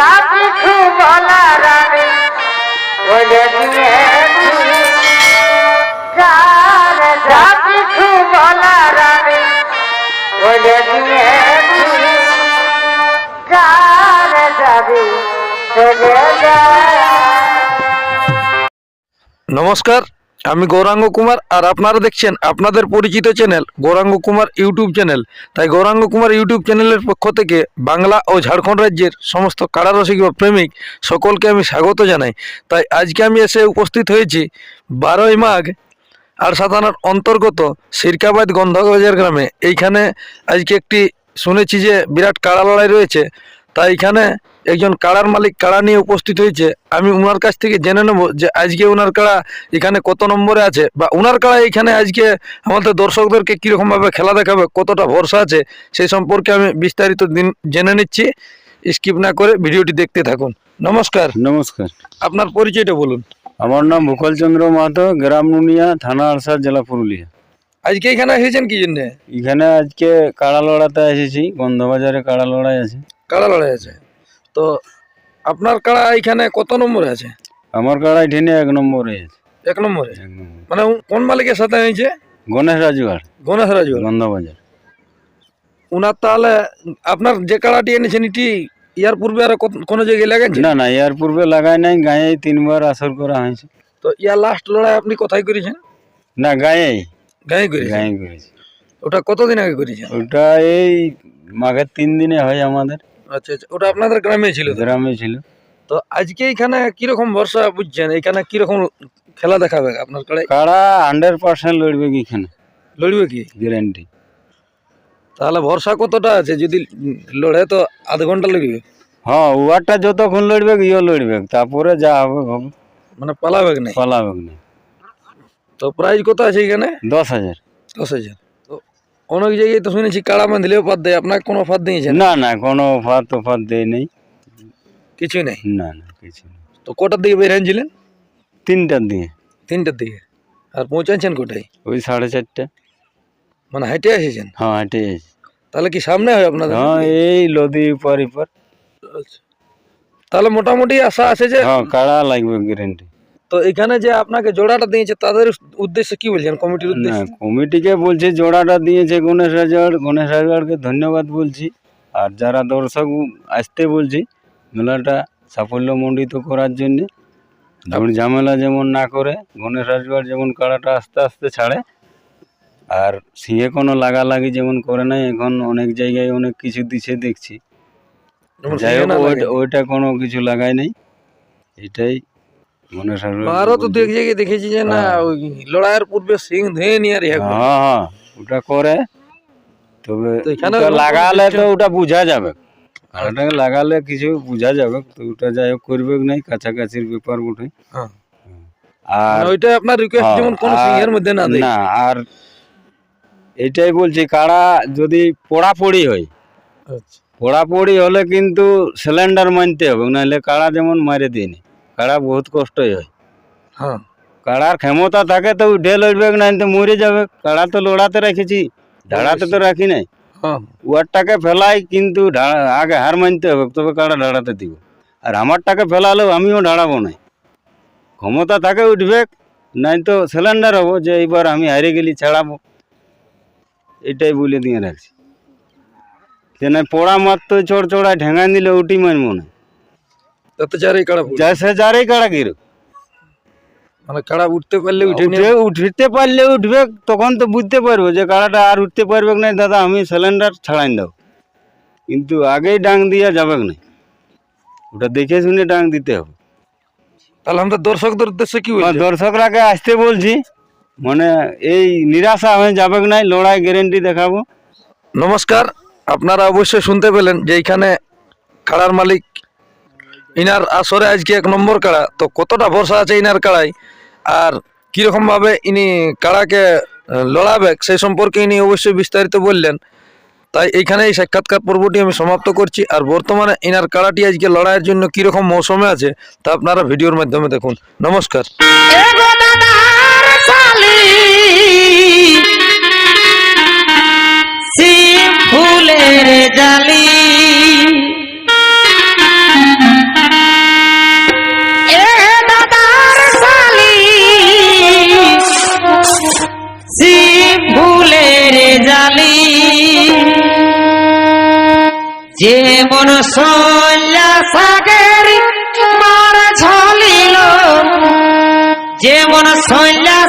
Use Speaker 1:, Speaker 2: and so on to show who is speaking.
Speaker 1: কিছু বলার আমি বলে দিয়েছি, যা কিছু বলার আমি বলে দিয়েছি, যার যাবি চলে যা।
Speaker 2: নমস্কার, আমি গৌরাঙ্গ কুমার আর আপনারা দেখছেন আপনাদের পরিচিত channel Gauranga Kumar YouTube channel. তাই গৌরাঙ্গ কুমার ইউটিউব চ্যানেলের পক্ষ থেকে বাংলা ও ঝাড়খণ্ড রাজ্যের সমস্ত কারারসিক বা প্রেমিক সকলকে আমি স্বাগত জানাই। তাই আজকে আমি এসে উপস্থিত হয়েছি 12ই মাঘ আরসা থানার অন্তর্গত সিরকাবাদ গন্ধবাজার গ্রামে। এইখানে আজকে একটি শুনেছি যে বিরাট কাড়া লড়াই রয়েছে, তাই এখানে একজন কাড়ার মালিক কাড়া নিয়ে উপস্থিত হয়েছে। আমি ওনার কাছ থেকে জেনে নেব যে আজকে ওনার কাড়া এখানে কত নম্বরে আছে, বা ওনার কাড়া এখানে আজকে আমাদের দর্শকদেরকে কীরকমভাবে খেলা দেখাবে, কতটা ভরসা আছে, সেই সম্পর্কে আমি বিস্তারিত জেনে নিচ্ছি। স্কিপ না করে ভিডিওটি দেখতে থাকুন। নমস্কার।
Speaker 3: নমস্কার,
Speaker 2: আপনার পরিচয়টা বলুন।
Speaker 3: আমার নাম ভূকল চন্দ্র মাহাতো, গ্রাম নুনিয়া, থানা আরসা, জেলা পুরুলিয়া।
Speaker 2: আজকে এখানে এসেছেন কি জন্যে?
Speaker 3: এখানে আজকে কাড়া লড়াতে এসেছি, গন্ধবাজারে কাড়া লড়াই আছে।
Speaker 2: কাড়া লড়াই আছে, তো আপনার কাড়া এখানে কত নম্বরে আছে?
Speaker 3: আমার কাড়া এখানে 1 নম্বরে আছে।
Speaker 2: 1 নম্বরে?
Speaker 3: 1 নম্বর।
Speaker 2: মানে কোন মালিকের সাথে হয়েছে?
Speaker 3: গণেশ রাজুয়ার,
Speaker 2: গণেশ রাজু
Speaker 3: গন্ধবাজার।
Speaker 2: ওনার তাহলে আপনার যে কাড়াটি এনেছেন এটি ইয়ার পূর্বে আর কোনো জায়গায় লাগাইছে?
Speaker 3: না, এর পূর্বে লাগাই নাই, গায়ে 3বার আসর করা হয়েছে।
Speaker 2: তো ইয়ার লাস্ট লড়াই আপনি কোথায় করেছেন?
Speaker 3: না, গায়ে
Speaker 2: করেছেন?
Speaker 3: করেছি।
Speaker 2: ওটা কতদিন আগে করেছেন?
Speaker 3: ওটা এই মাঘের 3 দিনে হয় আমাদের।
Speaker 2: আচ্ছা, ওটা আপনাদের গ্রামে ছিল তো?
Speaker 3: গ্রামে ছিল।
Speaker 2: তো আজকে এখানে কিরকম ভরসা বুঝছেন, এখানে কিরকম খেলা দেখাবে আপনার কাড়ায়?
Speaker 3: কাড়া 100% লড়বে কি এখানে,
Speaker 2: লড়বে কি
Speaker 3: গ্যারান্টি।
Speaker 2: তাহলে ভরসা কতটা আছে? যদি লড়ে তো আধ ঘন্টা লড়বে?
Speaker 3: হ্যাঁ, ওয়ারটা যতক্ষণ লড়বে ইও লড়বে, তারপরে যা হবে হবে,
Speaker 2: মানে পালাবে না?
Speaker 3: পালাবে না।
Speaker 2: তো প্রাইজ কত আছে এখানে?
Speaker 3: 10,000।
Speaker 2: 10,000। তো অনেক জায়গায় তো শুনেছি কাড়া বাঁধলেও পাত দেয়, আপনাকে কোনো ফাঁদ দিয়েছেন?
Speaker 3: না, কোনো অফার দেয় নেই।
Speaker 2: কিছু নেই?
Speaker 3: না, কিছু নেই।
Speaker 2: তো কটার দিকে বের হয়েছিলেন?
Speaker 3: 3টার দিয়ে।
Speaker 2: 3টার দিকে। আর পৌঁছাচ্ছেন কোটায়?
Speaker 3: ওই 4:30।
Speaker 2: মানে হেঁটে এসেছেন?
Speaker 3: হ্যাঁ, হেঁটে এসেছি।
Speaker 2: তাহলে কি সামনে হয় আপনাদের?
Speaker 3: হ্যাঁ, এই লদি পর।
Speaker 2: আচ্ছা, তাহলে মোটামুটি আশা আছে যে
Speaker 3: হ্যাঁ, কাড়া লাগবে গ্যারেন্টি।
Speaker 2: তো এখানে যে আপনাকে জোড়াটা দিয়েছে তাদের উদ্দেশ্যে কি বলছেন, কমিটির
Speaker 3: না,
Speaker 2: উদ্দেশ্যে?
Speaker 3: কমিটিকে বলছি জোড়াটা দিয়েছে গণেশ রাজওয়ারকে ধন্যবাদ বলছি। আর যারা দর্শক আসতে বলছি মেলাটা সাফল্যমণ্ডিত করার জন্যে, ঝামেলা যেমন না করে, গণেশ রাজওয়ার যেমন কাড়াটা আস্তে আস্তে ছাড়ে, আর সিংহে কোনো লাগালাগি যেমন করে নাই। এখন অনেক জায়গায় অনেক কিছু দিছে দেখছি, যাই হোক ওইটা কোনো কিছু লাগাই নাই। এটাই গণেশ রাজওয়ার।
Speaker 2: আরো তো দেখেছি যে না ওই লড়াইয়ের পূর্বে সিং ধুয়ে নিয়ে আর
Speaker 3: হ্যাঁ, ওটা করে। তবে
Speaker 2: এখানে
Speaker 3: লাগালে তো ওটা বোঝা যাবে, কাড়াটাকে লাগালে কিছু বোঝা যাবে। তো ওটা যাই হোক করবে নাই, কাছাকাছির ব্যাপার বটে। আর
Speaker 2: ওইটা আপনার রিকোয়েস্ট যেমন কোন সিংহের মধ্যে না দেয়।
Speaker 3: না, আর এটাই বলছি কাড়া যদি পোড়াপড়ি হয়, পোড়াপড়ি হলে কিন্তু সিলিন্ডার মানতে হবে, নাহলে কাড়া যেমন মারে দিইনি, কাড়া বহুত কষ্টই হয়।
Speaker 2: হ্যাঁ,
Speaker 3: কাড়ার ক্ষমতা থাকে তো উঠে লড়বে, না তো মরে যাবে। কাড়া তো লড়াতে রেখেছি, ঢাড়াতে তো রাখি নাই। ওয়ারটাকে ফেলাই কিন্তু আগে হার মানতে হবে, তবে কাড়া ঢাড়াতে দিব। আর আমারটাকে ফেলালেও আমিও ঢাড়াবো না। ক্ষমতা থাকে উঠবে, নাই তো সিলিন্ডার হবো যে এইবার আমি হারে গেলি ছাড়াবো। এটাই বলে দিয়ে রাখছি যে না, পোড়া মারতো চড়চড়ায় ঠেঙাই দিলে উঠি মানবো না।
Speaker 2: তাতে যারই কাড়া
Speaker 3: সে যারেই কাড়া গিরো,
Speaker 2: মানে কাড়া উঠতে পারলে
Speaker 3: উঠতে পারলে উঠবে, তখন তো বুঝতে পারবো যে কাড়াটা আর উঠতে পারবে না, দাদা আমি সিলিন্ডার ছাড়াই দাও। কিন্তু আগেই ডাং দিয়া যাবে না, ওটা দেখে শুনে ডাং দিতে হবে।
Speaker 2: তাহলে আমাদের দর্শকদের উদ্দেশ্যে কি বলছেন?
Speaker 3: দর্শকরাকে আসতে বলছি, মানে এই নিরাশা হয়ে যাবে না, লড়াই গ্যারেন্টি দেখাবো।
Speaker 2: নমস্কার, আপনারা অবশ্যই শুনতে পেলেন যে এইখানে কাড়ার মালিক ইনার আসরে আজকে 1 নম্বর কাড়া। তো কতটা ভরসা আছে ইনার কাড়ায় আর কিরকম ভাবে ইনি কাড়াকে লড়াবে সেই সম্পর্কে ইনি অবশ্যই বিস্তারিত বললেন। তাই এইখানে এই সাক্ষাৎকার পর্বটি আমি সমাপ্ত করছি। আর বর্তমানে ইনার কাড়াটি আজকে লড়াইয়ের জন্য কিরকম মৌসুমে আছে তা আপনারা ভিডিওর মাধ্যমে দেখুন। নমস্কার।
Speaker 1: ফুলের জালি
Speaker 4: যেমন সল্লা সাগের মার ঝলিল, যেমন সল্লা